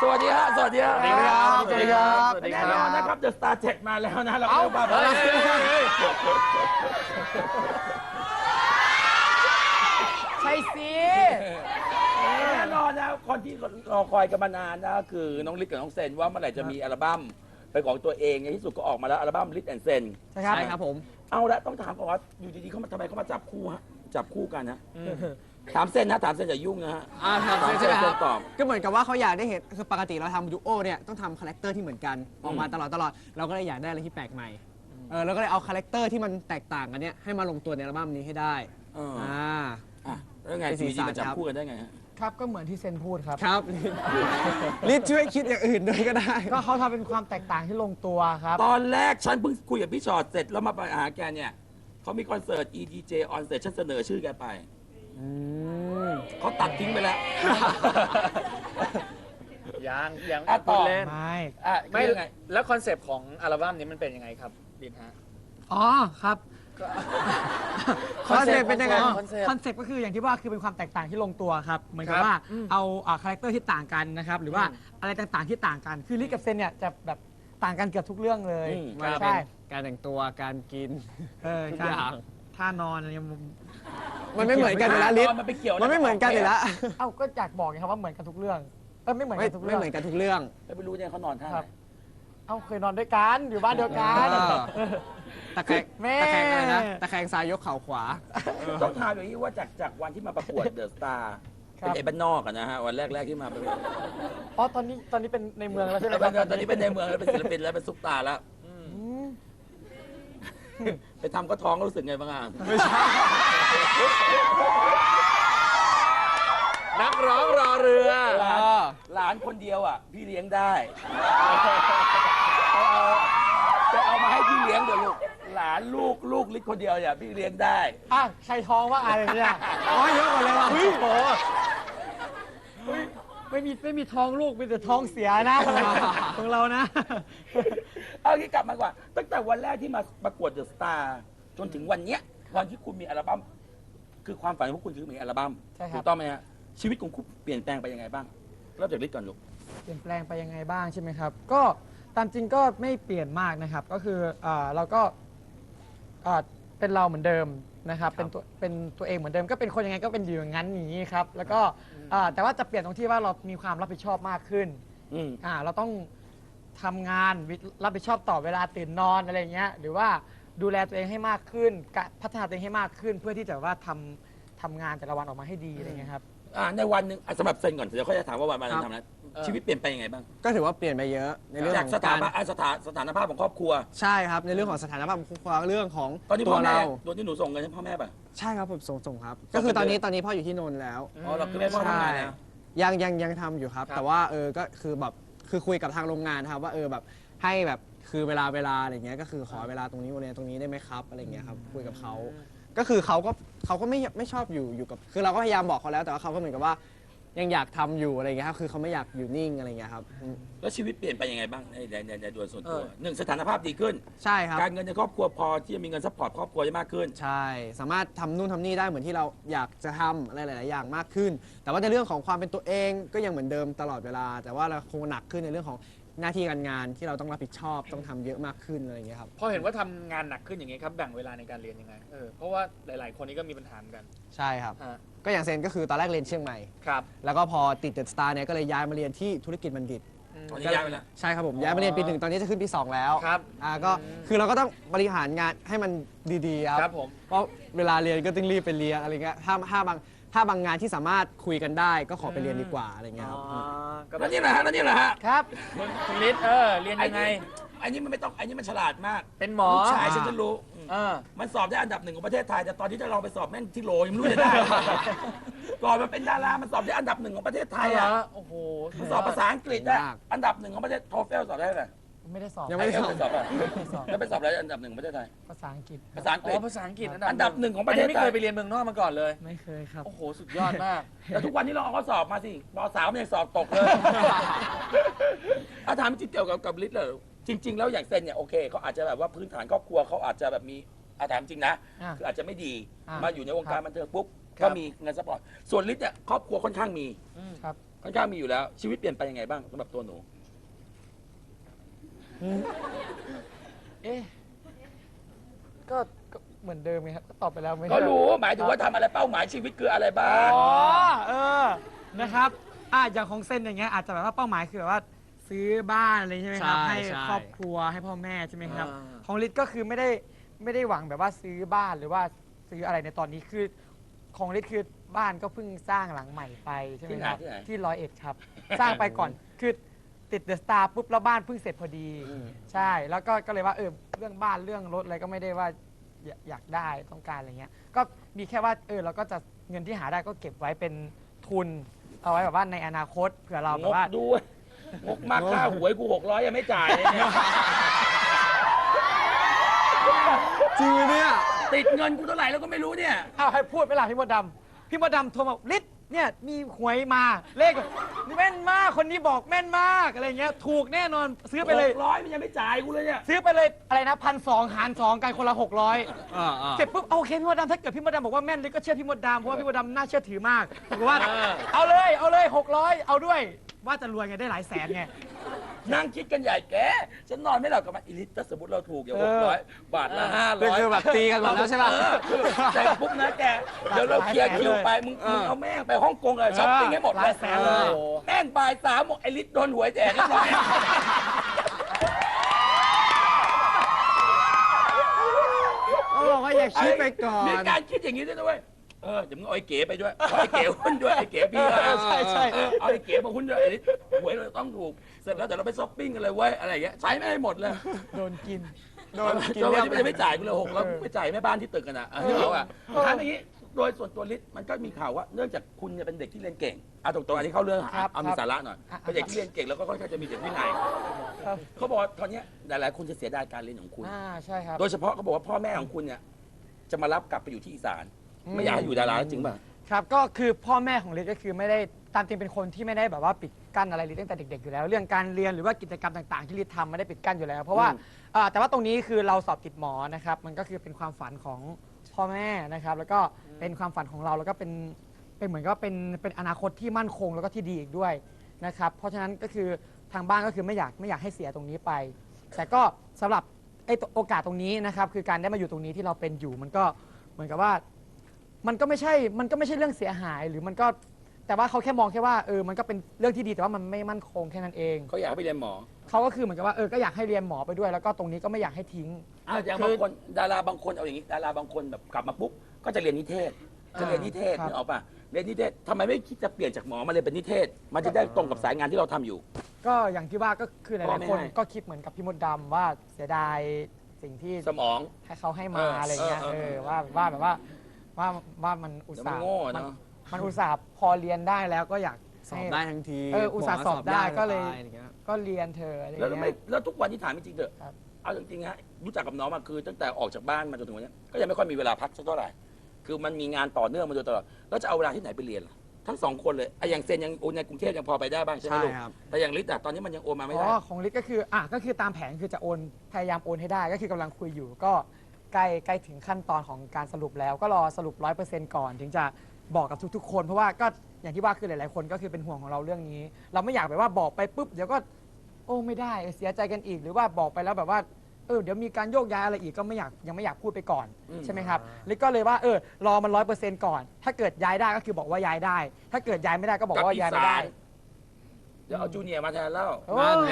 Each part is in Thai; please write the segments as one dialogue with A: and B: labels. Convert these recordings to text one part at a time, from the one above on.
A: วัสดีฮะสวัสดีครับ
B: สวัสดีครับ
A: สวัสดีครับ
B: สวัสดีครับ
A: แน่นอนนะครับเดอะสตาร์7มาแล้วนะเราก็มา
B: ใช่สิ
A: แน่นอนนะคนที่รอคอยกันมานานนะคือน้องลิศกับน้องเซนว่าเมื่อไหร่จะมีอัลบั้มเป็นของตัวเองในที่สุดก็ออกมาแล้วอัลบั้มลิศแอนด์เซน
B: ใช่ครับผม
A: เอาละต้องถามก่อนว่าอยู่ดีๆเขามาทำไมเขามาจับคู่ฮะจับคู่กันนะถามเซนนะถามเซนอย่ายุ่งนะฮะ
C: ครับใช่ไหมครับ
A: ตอบ
C: ก็เหมือนกับว่าเขาอยากได้เห็นคือปกติเราทำดูโอเนี่ยต้องทำคาแรคเตอร์ที่เหมือนกันออกมาตลอดเราก็เลยอยากได้อะไรที่แปลกใหม่เราก็เลยเอาคาแรคเตอร์ที่มันแตกต่างกันเนี่ยให้มาลงตัวในอัลบั้มนี้ให้ได้
A: อ่ะแล้วไง
C: เป็นสี
A: อยู่ดี
C: สัน
A: ๆมาจับ
C: ครับ
A: คู่กันได้ไงฮะ
B: ครับก็เหมือนที่เซนพูดครับ
C: ครับรีบช่วยคิดอย่างอื่นด้วยก็ได้
B: ก็เขาทำเป็นความแตกต่างที่ลงตัวครับ
A: ตอนแรกฉันเพิ่งคุยกับพี่ชอตเสร็จแล้วมาไปหาแกเนี่ยเขามีคอนเสิร์ต EDJ on stage ฉันเสนอชื่อแกไปเขาตัดทิ้งไปแล้ว
D: ยัง
A: อ่ะต่
D: พู
A: อ
D: ดเล่น
B: ไม่
D: ไม่
A: คือยังไง
D: แล้วคอนเซปต์ของอัลบั้มนี้มันเป็นยังไงครับดินฮะ
B: อ๋อครับ
C: คอนเซ็ปต์เป็นยังไง
D: คอนเซ็ปต์
B: คอนเซ็ปต์ก็คืออย่างที่ว่าคือเป็นความแตกต่างที่ลงตัวครับเหมือนกับ
D: ครับ
B: ว่า
D: อืม
B: เอาคาแรคเตอร์ที่ต่างกันนะครับหรือว่าอะไรต่างๆที่ต่างกันคือลิศกับเซนเนี่ยจะแบบต่างกันเกือบทุกเรื่องเลย
C: ว่าจะเป็น
B: ใช่
C: การแต่งตัวการกิน ทุก
B: การ
C: อย่าง
B: ท่านอนอะไรเงี้ย
C: มันไม่เหมือนกันอยู่แล้วลิศ
A: มันไปเกี่ยวะร
C: มันไม่เหมือนกันอยู่แล้ว
B: เอ้าก็อยากบอกไงครับว่าเหมือนกันทุกเรื่องไม่เหมือน
C: ไม่
B: กันทุก
C: ไม่
B: เรื่อง
C: เหมือนกันทุกเรื่อง
A: แล้วไม่รู้เนี่ยเขานอนท่า
B: ค
A: ไห
B: รั
A: น
B: บ เอ้าเคยนอนด้วยกันอยู่บ้านเดียวกัน
C: ตะแคง
B: แม่
C: ตะแคงอะไรนะตะแคงซ้ายยกเข่าขวา
A: ต้องถามอย่างนี้ว่าจากวันที่มาประกวดเดอะสตาร์
B: ครับ
A: เป็นไอ้บ้านนอกอะนะฮะวันแรกๆที่มาประกวด
B: อ๋อตอนนี้เป็นในเมืองแล้วใช่ไหมครับ
A: ตอนนี้เป็นในเมืองแล้วเป็นศิลปินแล้วเป็นซุปตาร์แล้ว
B: อืม
A: ไปทำก็ท้องรู้สึกไงบ้างอ่ะ
D: นักร้องรอเรือ
A: หลานคนเดียวอ่ะพี่เลี้ยงได้จะเอามาให้พี่เลี้ยงเดี๋ยวลูกหลานลูกลิศคนเดียวเนี่ยพี่เลี้ยงได้
B: อ่ะใครท้องว่าอะไรเนี่ย
C: อ๋อเยอะกว่าเลยว่ะ
B: โอ้โหไม่มีท้องลูกมีแต่ท้องเสียนะของเรานะ
A: เอางี้กลับมาก่อนตั้งแต่วันแรกที่มาประกวดเดอะสตาร์จนถึงวันเนี้ยวันที่คุณมีอัลบั้มคือความฝันของคุณคือมีอัลบั้ม
B: ใช่ครับ
A: ถูกต้องไหมฮะชีวิตของคุณเปลี่ยนแปลงไปยังไงบ้างเริ่มจากลิศก่อนลูก
B: เปลี่ยนแปลงไปยังไงบ้างใช่ไหมครับ ก็ตามจริงก็ไม่เปลี่ยนมากนะครับ ก็คือเราก็เป็นเราเหมือนเดิมนะครับ เป็นตัวเองเหมือนเดิม ก็เป็นคนยังไงก็เป็นอยู่อย่างนั้นอย่างนี้ครับ แล้วก็แต่ว่าจะเปลี่ยนตรงที่ว่าเรามีความรับผิดชอบมากขึ้น
A: อืม
B: เราต้องทำงานรับผิดชอบต่อเวลาตื่นนอนอะไรอย่างเงี้ย หรือว่าดูแลตัวเองให้มากขึ้นพัฒนาตัวเองให้มากขึ้น เพื่อที่จะว่าทำงานแต่ละวันออกมาให้ดีอะไรเงี้ยครับ
A: ในวันหนึ่งสำหรับเซนก่อนเดี๋ยวเขาจะถามว่าวันๆทำอะไรชีวิตเปลี่ยนไปยังไงบ้าง
C: ก็ถือว่าเปลี่ยนไปเยอะในเรื่อง
A: จาก
C: ของ
A: สถา
C: การ
A: นะสถานภาพของครอบครัว
C: ใช่ครับในเรื่องของสถานะภาพของครอบครัวเรื่องของ
A: ตอนนี้
C: ตั
A: พ่อ
C: ว
A: แม่
C: เรา
A: โดนที่หนูส่งเงินให้พ่อแม่ป่ะ
C: ใช่ครับผมส่งครับ
A: ส่ง
C: ก็คือตอน
A: ไป
C: นี้
A: เลย
C: ตอนนี้พ่ออยู่ที่นนท์แล้ว
A: อ๋อเราคือแม่พ่อทำงานแล้ว
C: ยังทำอยู่ครับ แต่ว่าก็คือแบบคือคุยกับทางโรงงานครับว่าแบบให้แบบคือเวลาอะไรเงี้ยก็คือขอเวลาตรงนี้วันนี้ตรงนี้ได้ไหมครับอะไรเงี้ยครับคุยกับเขาก็คือเขาก็ไม่ชอบอยู่กับคือเราก็พยายามบอกเขาแล้วแต่ว่าเขาก็เหมือนกับว่ายังอยากทำอยู่อะไรเงี้ยครับคือเขาไม่อยากอยู่นิ่งอะไรเงี้ยครับ
A: แล้วชีวิตเปลี่ยนไปยังไงบ้างในโดยส่วนตัวหนึ่งสถานภาพดีขึ้น
C: ใช่ครับ
A: การเงินในครอบครัวพอที่จะมีเงินซัพพอร์ตครอบครัวได้มากขึ้น
C: ใช่สามารถทำนู่นทำนี่ได้เหมือนที่เราอยากจะทำอะไรหลาย ๆ อย่างมากขึ้น แต่ว่าในเรื่องของความเป็นตัวเองก็ยังเหมือนเดิมตลอดเวลา แต่ว่าเราคงหนักขึ้นในเรื่องของหน้าที่การงานที่เราต้องรับผิดชอบต้องทำเยอะมากขึ้นอะไรอย่างเงี้ยครับ
D: พอเห็นว่าทำงานหนักขึ้นอย่างนี้ครับแบ่งเวลาในการเรียนยังไงเพราะว่าหลาย ๆ คนนี้ก็มีปัญหาเหมือนกัน
C: ใช่ครับ
D: ฮะ
C: ก็อย่างเซนก็คือตอนแรกเรียนเชียงใหม่
D: ครับ
C: แล้วก็พอติดเดอะสตาร์เนี่ยก็เลยย้ายมาเรียนที่ธุรกิจบัณฑิต
A: ตอนนี้ย้ายไปแล้ว
C: ใช่ครับผมย้ายมาเรียนปี 1ตอนนี้จะขึ้นปี 2 แล้ว
D: ครับ
C: ก็คือเราก็ต้องบริหารงานให้มันดีๆครับ
D: ครับผม
C: เพราะเวลาเรียนก็ต้องรีบไปเรียนอะไรเงี้ยถ้าบางงานที่สามารถคุยกันได้ก็ขอไปเรียนดีกว่าอะไรเงี้ยครับ
D: ก็
A: แล้วนี่แหละฮะแล้วนี่แหละฮะ
B: ครับ
D: คุณฤทธิ์เรียนยังไง
A: อันนี้มันไม่ต้องอันนี้มันฉลาดมาก
D: เป็นหมอ
A: ลูกชายฉันจะรู้
D: เออ
A: มันสอบได้อันดับ 1ของประเทศไทยแต่ตอนที่จะลองไปสอบแม่งที่โหลยังไม่รู้จะได้ ก่อนมันเป็นดารามันสอบได้อันดับ 1ของประเทศไทยอ่ะ
D: โอ้โห
A: มันสอบภาษาอังกฤษได้
C: ยาก
A: อันดับ 1ของประเทศโทเฟลสอบได้ไหม
B: ไม่ได้สอบ
C: ยังไม่ได้
A: ไปสอบอ่ะ
B: ไม่ได้สอบ
A: แล้วไปสอบอะไรอันดับ 1ของประเทศไทย
B: ภาษาอังกฤษ
A: ภาษาอังกฤษ
D: ภาษาอังกฤษ
A: อันดับ 1ของประเทศ
D: ไม่
A: ไท
D: เค
A: ย
D: ยไปเรียนเมืองนอกมาก่อนเลย
B: ไม่เคยครับ
D: โอ้โห สุดยอดมาก
A: แต่ทุกวันนี้เราเอาข้อสอบมาสิป .3 มันยังสอบตกเลย ถามจริงเกี่ยวกับลิศเลยจริง ๆ แล้วอย่างเซนเนี่ยโอเคเขาอาจจะแบบว่าพื้นฐานครอบครัวเขาอาจจะแบบมีถามจริงนะ
B: อ่า
A: คืออาจจะไม่ดี
B: อ่าม
A: มาอยู่ในวงการบันเทิงปุ๊บ
D: ครั
A: ก็
D: บ
A: มีเงินซัพพอร์ตส่วนลิศเนี่ยครอบครัวค่อนข้างมี
B: ครับ
A: ค่อนข้างมีอยู่แล้ว ชีวิตเปลี่ยนไปยังไงบ้างสำหรับตัวหนู
B: เอ๊ะก็เหมือนเดิมไงครับก็ตอบไปแล้วไม่ใช่
A: ก็รู้หมายถึงว่าทำอะไรเป้าหมายชีวิตคืออะไรบ้าง
B: อ๋อเออนะครับอย่างของเซนอย่างเงี้ยอาจจะแบบว่าเป้าหมายคือแบบว่าซื้อบ้านอะไรใช่ไหมครับ
C: ใช่
B: ให้
C: ใช่
B: ครอบครัวให้พ่อแม่ใช่ไหมครับ
A: อ่า
B: ของลิศก็คือไม่ได้หวังแบบว่าซื้อบ้านหรือว่าซื้ออะไรในตอนนี้คือของลิศคือบ้านก็เพิ่งสร้างหลังใหม่ไปใช่ไหมครับ
A: ที่ไหน
B: ที่101ครับ สร้างไปก่อนคือติดเดอะสตาร์ปุ๊บแล้วบ้านเพิ่งเสร็จพอดี ใช่แล้วก็เลยว่าเรื่องบ้านเรื่องรถอะไรก็ไม่ได้ว่าอยากได้ต้องการอะไรเงี้ยก็มีแค่ว่าเราก็จะเงินที่หาได้ก็เก็บไว้เป็นทุนเอาไว้แบบว่าในอนาคตเผื่อเราแบ
A: ง
B: บ
A: ก
B: ว่า
A: ด้วยงกมากค่าหวยกู600ยังไม่จ่ายเลยเนี่ย
C: จริงเลยเนี่ย
A: ติดเงินกูเท่าไหร่แล้วก็ไม่รู้เนี่ย
B: เอาให้พูดไปล่ะพี่มดดำโทรมาลิศเนี่ยมีหวยมาเลขแม่นมากคนนี้บอกแม่นมากอะไรเงี้ยถูกแน่นอนซื้อไปเลย
A: 600มันยังไม่จ่ายกูเลยเนี่ย
B: ซื้อไปเลยอะไรนะ1,200หาร2กันคนละ600
C: อ่า
B: เสร็จปุ๊บโอเคพี่มดดำถ้าเกิดพี่มดดำบอกว่าแม่นเลยก็เชื่อพี่มดดำเพราะว่าพี่มดดำน่าเชื่อถือมากบอกว่าเอาเลย600เอาด้วยว่าจะรวยไงได้หลายแสนไง
A: นั่งคิดกันใหญ่แกฉันนอนไม่หลับกับมันอีลิตถ้าสมมติเราถูกอย่าง600 บาทละ
C: นี่คือ
A: 500
C: แบบตีกันหมดแล้วใช่ป่ะ
A: แต่ปุ๊บนะแกเดี๋ยวเราเคลียร์คิวไปมึงเอาแม่งไปฮ่องกงเลยช้อปปิ้งให้หมด
B: หลายแสนเลย
A: แม่งบ่าย3หมดไอลิตโดนหวยแจกเรียบร้อย
C: เขาบอกว่าอย่าคิดไปก่อน
A: มีการคิดอย่างนี้ด้วยนะเว้ยเดี๋ยวมึงเอาไอ้เก๋ไปด้วยเอาไอ้เก๋หุ้นด้วยไอ้เก๋พี่
B: ใช่
A: เอาไอ้เก๋มาหุ้นด้วยไอ้ลิตหวยเราต้องถูกเสร็จแล้วเดี๋ยวเราไปช้อปปิ้งกันเลยเว้ยอะไรอย่างเงี้ยใช้ไม่ให้หมดเลย
B: โดนกิน
C: โดนกิน
A: จน
C: เรี
A: วั
C: ย
A: น
C: บ
A: นี้มันจะไม่จ่ายกูเลย6แล้วไปจ่ายแม่บ้านที่ตึกกันอ่ะที่เขาอ่ะถามอย่างนี้โดยส่วนตัวลิศมันก็มีข่าวว่าเนื่องจากคุณเนี่ยเป็นเด็กที่เรียนเก่งเอาตรงๆอันนี้เข้าเรื่อง
B: ครับ
A: เอามีสาระหน่อยเป็นเด็กที่เรียนเก่งแล้วก็ค่อนข้างจะมีเด็กวินัย
B: ครับ
A: เขาบอกว่าตอนเนี้ยหลายๆคนจะเสียดายการเรียนของคุณ
B: ใช่ครับ
A: โดยเฉพาะเขาบอกว่าพ่อแม่ของคุณเนี่ยจะมารับกลับไปอยู่ที่อีสาน ไม่อยากให้อยู่ดาราจริงป่ะ
B: ครับก็คือพ่อแม่ของลิศก็คือไม่ได้ตามจริงเป็นคนที่ไม่ได้แบบว่าปิดกั้นอะไรลิศตั้งแต่เด็กๆอยู่แล้ว เรื่องการเรียนหรือว่ากิจกรรมต่างๆที่ลิศทำไม่ได้ปิดกั้นอยู่แล้ว เพราะว่าแต่ว่าตรงนี้คือเราสอบติดหมอนะครับมันก็คือเป็นความฝันของพ่อแม่นะครับแล้วก็เป็นความฝันของเราแล้วก็เป็นเหมือนก็เป็นอนาคตที่มั่นคงแล้วก็ที่ดีอีกด้วยนะครับเพราะฉะนั้นก็คือทางบ้านก็คือไม่อยากให้เสียตรงนี้ไป แต่ก็สำหรับโอกาสตรงนี้นะครับคือการได้มาอยู่ตรงนี้ที่เราเป็นอยู่มันก็เหมือนกับว่า มันก็ไม่ใช่เรื่องเสียหายหรือมันก็แต่ว่าเขาแค่มองแค่ว่ามันก็เป็นเรื่องที่ดีแต่ว่ามันไม่มั่นคงแค่นั้นเอง
A: เขาอยากให้ไปเรียนหมอ
B: เขาก็คือเหมือนกับว่าก็อยากให้เรียนหมอไปด้วยแล้วก็ตรงนี้ก็ไม่อยากให้ทิ้ง
A: อย่างบางคนดาราบางคนเอาอย่างนี้ดาราบางคนแบบกลับมาปุ๊บก็จะเรียนนิเทศจะเรียนนิเทศ
B: ครับ
A: นึกออกป่ะเรียนนิเทศทำไมไม่คิดจะเปลี่ยนจากหมอมาเรียนเป็นนิเทศ มันจะได้ตรงกับสายงานที่เราทำอยู่
B: ก็อย่างที่ว่าก็คือห
A: พ่อ
B: ลาย
A: ไม่
B: ๆคน
A: ให้
B: ก็คิดเหมือนกับพี่มดดำว่าเสียดายสิ่งที่
A: สมอง
B: ให้เขาให้มาอะไรเงี้ย
A: เออ
B: ว่าแบบว่ามันอุตส่าห์
A: เดี๋ยวมันโง่เนอะ
B: มันอุตส่าห์พอเรียนได้แล้วก็อยาก
C: สอบ
B: ให้
C: ได้ทั้งที
B: อุตส่าห์สอบได้ก็เลย
C: ตาอะไรเงี้ย
B: ก็เรียนเธอะอะไร
A: แล้ว
B: เงี้
A: ไม่
B: ย
A: แล้วทุกวันที่ถามจริงๆเถอะ
B: ครับ
A: เอาจริงๆฮะรู้จักกับน้องมาคือตั้งแต่ออกจากบ้านมาจนถึงวันเนี้ยก็ยังไม่ค่อยมีเวลาพักสักเท่าไหร่คือมันมีงานต่อเนื่องมาโดยตลอดแล้วจะเอาเวลาที่ไหนไปเรียนล่ะทั้งสองคนเลยไอ้อย่างเซนยังโอนในกรุงเทพยังพอไปได้บ้างใช่ไหม
C: ใช่
A: ลูก
C: ครับ
A: แต่อย่างลิศอะตอนนี้มันยังโอนมาไม่
B: อ๋
A: ได้
B: อของลิศก็คือตามแผนคือจะโอนพยายามโอนให้ได้ก็คือกำลังคุยอยู่ก็ใกล้ถึงขั้นตอนของการสรุปแล้วก็รอสรุป 100% ก่อน ถึงจะบอกกับทุกๆ คนเพราะว่าก็อย่างที่ว่าคือหลายๆคนก็คือเป็นห่วงของเราเรื่องนี้ เราไม่อยากแบบว่าบอกไปปุ๊บเดี๋ยวก็โอ้ไม่ได้เสียใจกันอีกหรือว่าบอกไปแล้วแบบว่าเดี๋ยวมีการโยกย้ายอะไรอีกก็ยังไม่อยากพูดไปก่อน ใช่ไหมครับลิศก็เลยว่ารอมัน 100% ก่อน ถ้าเกิดย้ายได้ก็คือบอกว่าย้ายได้ ถ้าเกิดย้ายไม่ได้ก็บอกว่าย้ายไม่ได้
A: เดี๋ยวเอาจูเนียร์มาแทนแล้ว
B: โอ้
C: นั่นไง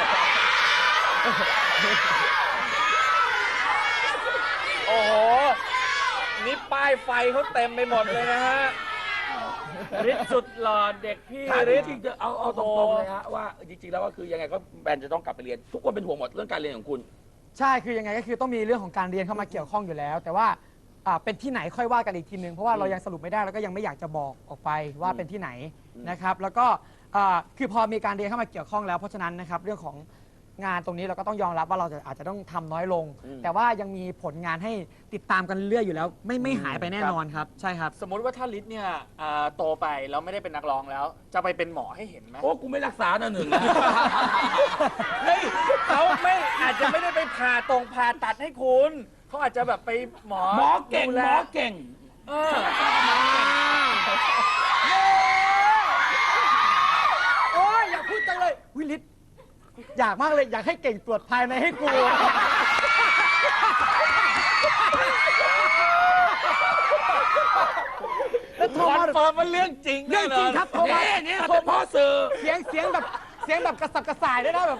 D: โอ้โห นี่ป้ายไฟเขาเต็มไปหมดเลยนะฮะฤทธิ์สุดหล่อเด็กพี่
A: ถาม
D: ฤ
A: จ
D: ทธิ์
A: ริงๆจะเอาตรงๆเลยฮะว่าจริงๆแล้วก็คือยังไงก็แบรนด์จะต้องกลับไปเรียน ทุกคนเป็นห่วงหมดเรื่องการเรียนของคุณ
B: ใช่คือยังไงก็คือต้องมีเรื่องของการเรียนเข้ามาเกี่ยวข้องอยู่แล้ว แต่ว่าเป็นที่ไหนค่อยว่ากันอีกทีนึงเพราะว่าเรายังสรุปไม่ได้แล้วก็ยังไม่อยากจะบอกออกไปว่าเป็นที่ไหนนะครับแล้วก็คือพอมีการเรียนเข้ามาเกี่ยวข้องแล้วเพราะฉะนั้นนะครับเรื่องของงานตรงนี้เราก็ต้องยอมรับว่าเราอาจจะต้องทำน้อยลง แต่ว่ายังมีผลงานให้ติดตามกันเรื่อยอยู่แล้ว ไม่หายไปแน่นอนครับใช่ครับ
D: สมมุติว่าถ้าฤทธิ์เนี่ยโตไปแล้วไม่ได้เป็นนักร้องแล้ว จะไปเป็นหมอให้เห็นไหม
A: โอ้กูไม่รักษาหนึ่งนะ
D: เฮ้ยเขาอาจจะไม่ได้ไปผ่าตัดให้คุณเขาอาจจะแบบไปหมอ
A: หมอเก่ง
D: ดู
A: ห
D: แล
A: มอเก่ง
D: เออ
B: อยากมากเลยอยากให้เก่งตรวจภายในให้กูแล้วโทร
D: คอน
B: มา
D: เฟิร์มว่าเรื่องจริง
B: เรื่องจริงครับโทรมา
A: เนี่ยเป็นพ่อสื่อ
B: เสียงแบบกระสับกระส่ายด้วยนะแบบ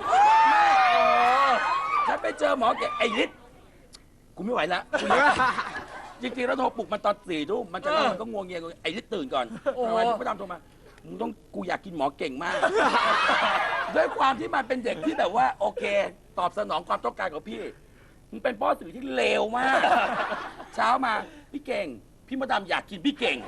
A: ฉันไปเจอหมอแกไอ้ฤทธิ์กูไม่ไหวแล้วจริงๆแล้วโทรปลุกมันตอน4 ทุ่มมันจะนอนมันก็งวงเงียไอ้ฤทธิ์ตื่นก่อนทำไมถึงไม่ตามโทรมามึงต้องกูอยากกินหมอเก่งมาก ด้วยความที่มันเป็นเด็กที่แบบว่าโอเค ตอบสนองความต้องการของพี่มึงเป็นพ่อสื่อที่เลวมาก เช้ามาพี่เก่ง พี่มดดำอยากกินพี่เก่ง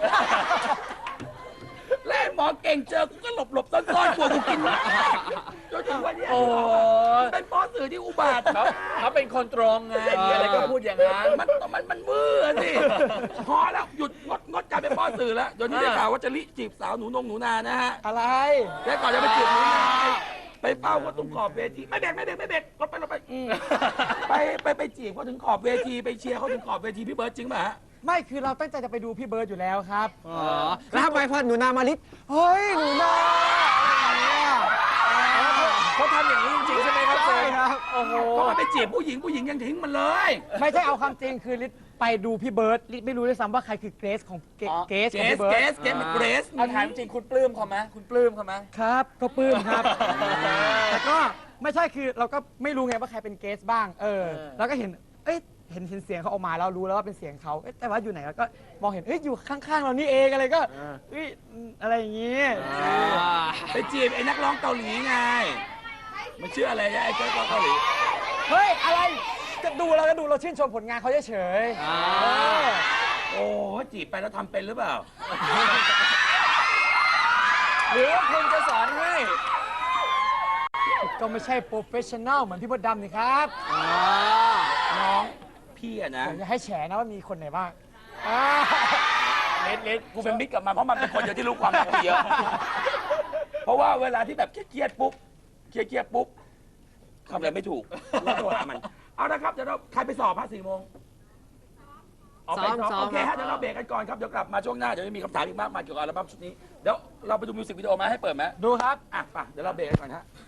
A: และหมอเก่งเจอกูก็หลบซ่อนๆกลัวกูกินจนถึงวันเนี้ย
D: โอ้
A: เป็นพ่อสื่อที่อุบาท
D: เขาเป็นคนตรงไงมีอะไรก็พูดอย่างนั้น
A: มันมือสิพอแล้วหยุดงดการเป็นพ่อสื่อแล้วเดี๋ยวนี้ได้ข่าวว่าจะลิจีบสาวหนูนานะฮะ
B: อะไร
A: แล้วก่อนจะไปจีบหนูนาไปเฝ้าเขาตรงขอบเวทีไม่เบรกรถไปไปจีบเขาถึงขอบเวทีไปเชียร์เขาถึงขอบเวทีพี่เบิร์ดจริงป่ะฮะ
B: ไม่คือเราตั้งใจจะไปดูพี่เบิร์ดอยู่แล้วครับ
C: อ๋อแล้วทำไมพอหนูนามาลิศเฮ้ยหนูนาอะไรอย่างเงี้ย
D: เขาทำอย่างนี้จริงๆใช่ไหมครับเซ
C: ใช่
D: น
C: ครับ
D: โอ้โห
A: เพราะมันไปจีบผู้หญิงยังทิ้งมันเลย
B: ไม่ใช่เอาความจริงคือลิศไปดูพี่เบิร์ดลิศไม่รู้ด้วยซ้ำว่าใครคือเกรซของเกรซของพี่เบิร์ด
A: เกสมันเกรส
D: เอาถามจริงคุณปลื้มเขาไหมคุณปลื้มเขาไหม
B: ครับก็ปลื้มครับ แต่ก็ไม่ใช่คือเราก็ไม่รู้ไงว่าใครเป็นเกสบ้างแล้วก็เห็นเห็นเสียงเขาออกมาแล้วรู้แล้วว่าเป็นเสียงเขาแต่ว่าอยู่ไหนแล้วก็มองเห็นอยู่ข้างๆเรานี่เองอะไรก็อะไรอย่างงี้
A: ไปจีบไอ้นักร้องเกาหลีไงมันชื่ออะไรนะไอ้นักร้องเกาหลี
B: เฮ้ยอะไรก็ดูเราชื่นชมผลงานเขาเฉยๆ
A: โอ้จีบไปแล้วทำเป็นหรือเปล่า
D: หรือว่าคุณจะสอนให้
B: ก็ไม่ใช่โปรเฟชชั่นแนลเหมือนพี่มดดำนี่ครับ
A: น้องพี่อะนะ
B: ผมจะให้แฉนะว่ามีคนไหนบ้าง
A: เลสกูเป็นมิตรกับมันเพราะมันเป็นคนเดียวที่รู้ความลับกูเยอะ เพราะว่าเวลาที่แบบเครียดปุ๊บทำอะไรไม่ถูกแล้วโทรหามัน เอาละครับเดี๋ยวเราใครไปสอบ4 โมงออกไป
C: ซ้อม
A: โอเคฮะเดี๋ยวเราเบรกกันก่อนครับเดี๋ยวกลับมาช่วงหน้าเดี๋ยวจะมีคำถามอีกมากมายเกี่ยวกับอัลบั้มชุดนี้เดี๋ยวเราไปดูมิวสิกวิดีโอมาให้เปิดไหม
B: ดูครับ
A: อ่ะไปเดี๋ยวเราเบรกกันก่อนฮะ